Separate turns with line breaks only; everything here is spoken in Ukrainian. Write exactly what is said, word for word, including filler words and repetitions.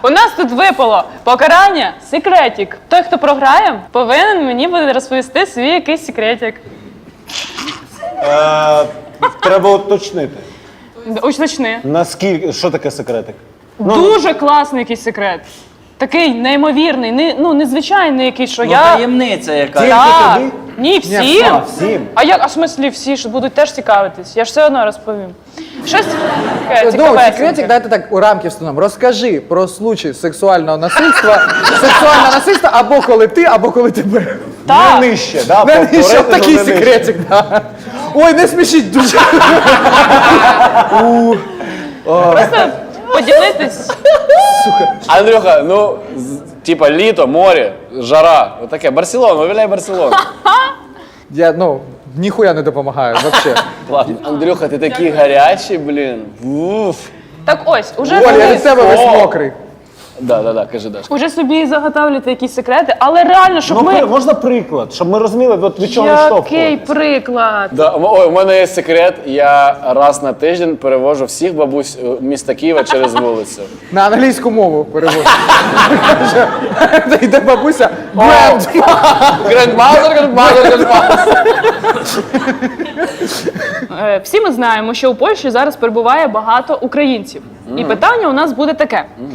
у нас тут випало покарання секретик. Той, хто програє, повинен мені буде розповісти свій якийсь секретик.
Е, треба уточнити.
Уточни.
Наскільки, що таке секретик? Ну,
Дуже класний якийсь секрет. Такий неймовірний, не, ну незвичайний якийсь, що
Ну,
я...
таємниця якась.
Тільки
Так.
тобі?
Ні, всім.
А, всім.
А як, а в смислі всі, що будуть теж цікавитись? Я ж все одно розповім. Щось таке
Ну,
цікавесеньке.
секретик, дайте так у рамки встановимо. Розкажи про случай сексуального насильства, сексуального насильства або коли ти, або коли тебе.
Так.
Не нижче, да?
Не,
по- по
що
рейтингу
такий
не нижче.
секретик, да. Ой, не смішіть дуже.
Просто поділитись.
Андрюха, ну, з- типа літо, море, жара. Отаке. Барселона, виявляй Барселону.
Я, ну, ніхуя не допомагаю, взагалі.
Ладно. Андрюха, ти такий гарячий, блін. Уф.
Так ось, уже
Оля, я
собі,
від тебе весь мокрий.
Да, да, да, кажи, Даш.
уже собі заготовлюєте якісь секрети, але реально, щоб
Ну,
ми...
при- можна приклад, щоб ми розуміли, от від чого
Який
відштовхуватись.
приклад?
Да, м- ой, у мене є секрет. Я раз на тиждень перевожу всіх бабусь е, міста Києва через вулицю.
На англійську мову переводжу. Йде бабуся. Бренд.
Грандмазер, грандмазер, грандмазер.
Е, Всі ми знаємо, що у Польщі зараз перебуває багато українців. І питання у нас буде таке.